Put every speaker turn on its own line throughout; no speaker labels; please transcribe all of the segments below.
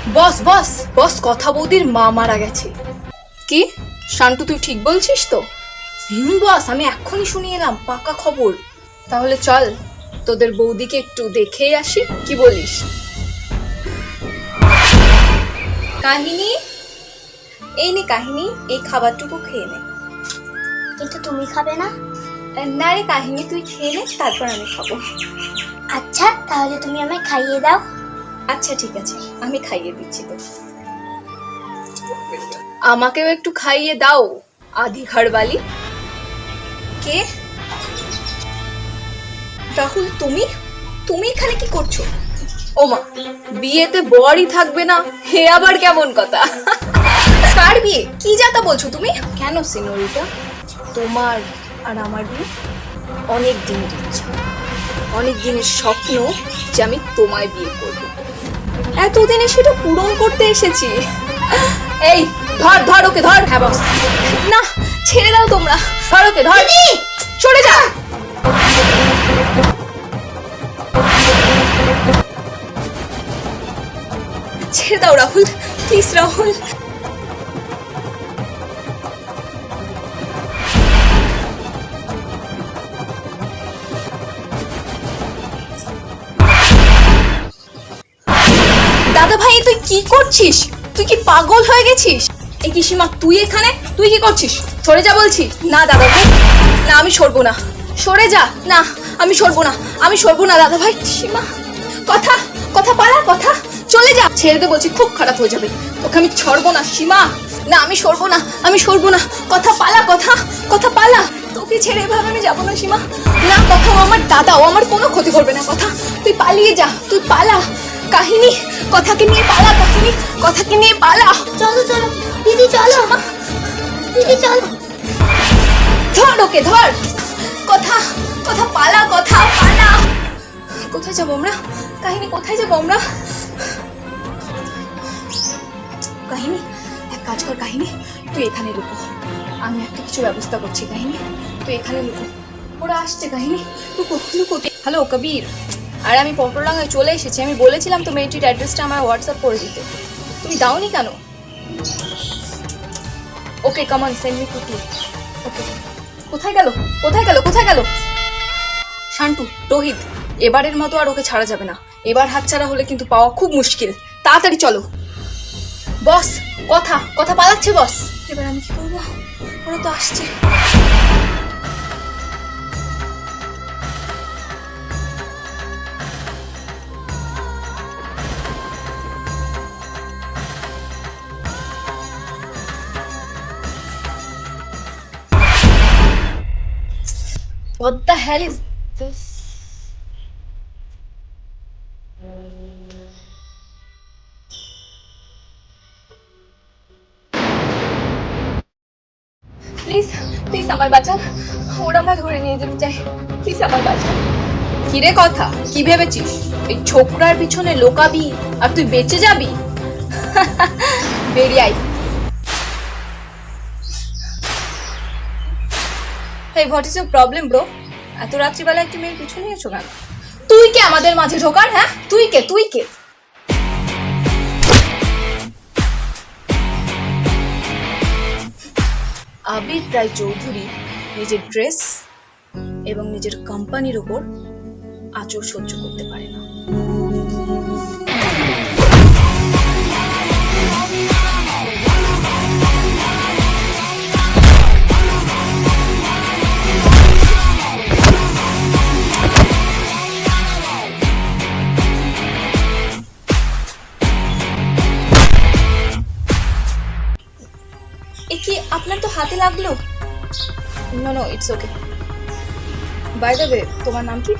বস বস বস, কথা বৌদির মা মারা গেছে। কি শান্তু, তুই ঠিক বলছিস তো? বস, আমি এক্ষুনি শুনে এলাম, পাকা খবর। তাহলে চল তোদের বৌদিকে একটু দেখেই আসি, কি বলিস? কাহিনী, এই নে কাহিনী, এই খাবারটুকু খেয়ে নে।
কিন্তু তুমি খাবে না?
না রে কাহিনী, তুই খেয়ে নে, তারপর আমি খাবো।
আচ্ছা, তাহলে তুমি আমায় খাইয়ে দাও।
আচ্ছা ঠিক আছে, আমি খাইয়ে দিচ্ছি তো। আমাকেও একটু খাইয়ে দাও, আধি ঘরবালি। কে? রাহুল, তুমি তুমি এখানে কি করছো? ওমা, বিয়েতে বরই থাকবে না, হে আবার কেমন কথা? কার বিয়ে? কি যাতা বলছো তুমি? কেন সিনোরিটা, তোমার আর আমার বিয়ে অনেক দিনের ইচ্ছা, অনেক দিনের স্বপ্ন যে আমি তোমায় বিয়ে করব। এতদিনে সেটা পূরণ করতে এসেছি। এই ধর ধর ওকে, ধর। হ্যাঁ বস। না, ছেড়ে দাও তোমরা, ধর ওকে, ধর। সরে যা। ছেড়ে দাও রাহুল, প্লিজ রাহুল। দাদা ভাই, তুই কি করছিস? তুই কি পাগল হয়ে গেছিস? এই কি সীমা, তুই এখানে? তুই কি করছিস? সরে যা বলছি। না দাদা ভাই, না আমি সরবো না। সরে যা। না, আমি সরবো না, আমি সরবো না দাদা ভাই। সীমা, কথা কথা পালা, কথা। চলে যা, ছেড়ে দে বলছি, খুব খারাপ হয়ে যাবে। তোকে আমি ছাড়বো না সীমা। না, আমি সরবো না, আমি সরবো না। কথা পালা, কথা কথা পালা। তোকে ছেড়ে এভাবে আমি যাবো না সীমা। না, কথা, ও আমার দাদা, ও আমার কোনো ক্ষতি করবে না। কথা, তুই পালিয়ে যা, তুই পালা। কাহিনী, কথাকে নিয়ে পালা। কাহিনী, কথাকে নিয়ে পালা।
চলো চলো দিদি, চলো দিদি, চলো।
ধর ওকে, ধর। কথা কথা পালা, কথা পালা। কোথায় যাবো আমরা? কাহিনী, কোথায় যাবো আমরা? কাহিনী, এক কাজ কর কাহিনী, তুই এখানে লুকো, আমি একটা কিছু ব্যবস্থা করছি। কাহিনী, তুই এখানে লুকো, ওরা আসছে। কাহিনী, লুকো লুকো। হ্যালো কবির, আর আমি পটলডাঙ্গায় চলে এসেছি। আমি বলেছিলাম তো মেয়েটির অ্যাড্রেসটা আমার হোয়াটসঅ্যাপ করে দিতে, তুমি দাওনি কেন? Okay, come on, send me quickly. Okay. কোথায় গেল, কোথায় গেল, কোথায় গেল? শান্তু, রোহিত, এবারের মতো আর ওকে ছাড়া যাবে না। এবার হাতছাড়া হলে কিন্তু পাওয়া খুব মুশকিল। তাড়াতাড়ি চলো। বস, কথা কথা পালাচ্ছে বস। এবার আমি কি করবো? ওরা তো আসছে। What the hell is this? Please please আমার বাঁচান, ওরা আমার ধরে নিয়ে যেতে চাই, প্লিজ আমার বাঁচান। কিরে কথা, কি ভেবেছিস এই ছোকরার পিছনে লোকাবি আর তুই বেঁচে যাবি? বেরিয়ে আই। এই what is your problem bro? এত রাত্রিবেলা একটি মেয়ের পিছু নিয়েছো কেন? তুই কে আমাদের মাঝে ঢোকার? হ্যাঁ, তুই কে, তুই কে? আবির রায় চৌধুরী নিজের ড্রেস এবং নিজের কোম্পানির ওপর আঁচড় সহ্য করতে পারে না। এ কি, আপনার তো হাতে লাগলো? No no, it's okay. By the way, তোমার নাম কি?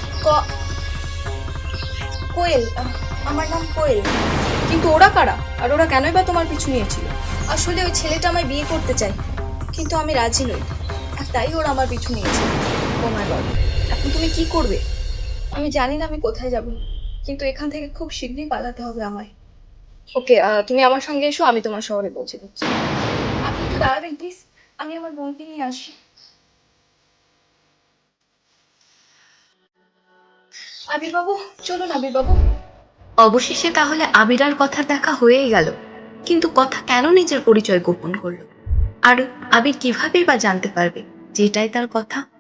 কোয়েল। আমার নাম কোয়েল। কিন্তু ওরা কারা, আর ওরা কেনই বা তোমার পিছু নিয়েছিল? আসলে ওই ছেলেটা আমায় বিয়ে করতে চায়, কিন্তু আমি রাজি নই, আর তাই ওরা আমার পিছু নিয়েছে। ও মাই গড, এখন তুমি কি করবে? আমি জানি না আমি কোথায় যাব, কিন্তু এখান থেকে খুব শীঘ্রই পালাতে হবে আমায়। ওকে, তুমি আমার সঙ্গে এসো, আমি তোমার শহরে পৌঁছে দিচ্ছি। আপনি একটু দাঁড়াবেন প্লিজ, আমি আমার বোনকে নিয়ে আসি। আবির বাবু, চলুন আবির বাবু।
অবশেষে তাহলে আবির আর কথার দেখা হয়েই গেল, কিন্তু কথা কেন নিজের পরিচয় গোপন করলো? আর আবির কিভাবেই বা জানতে পারবে যেটাই তার কথা?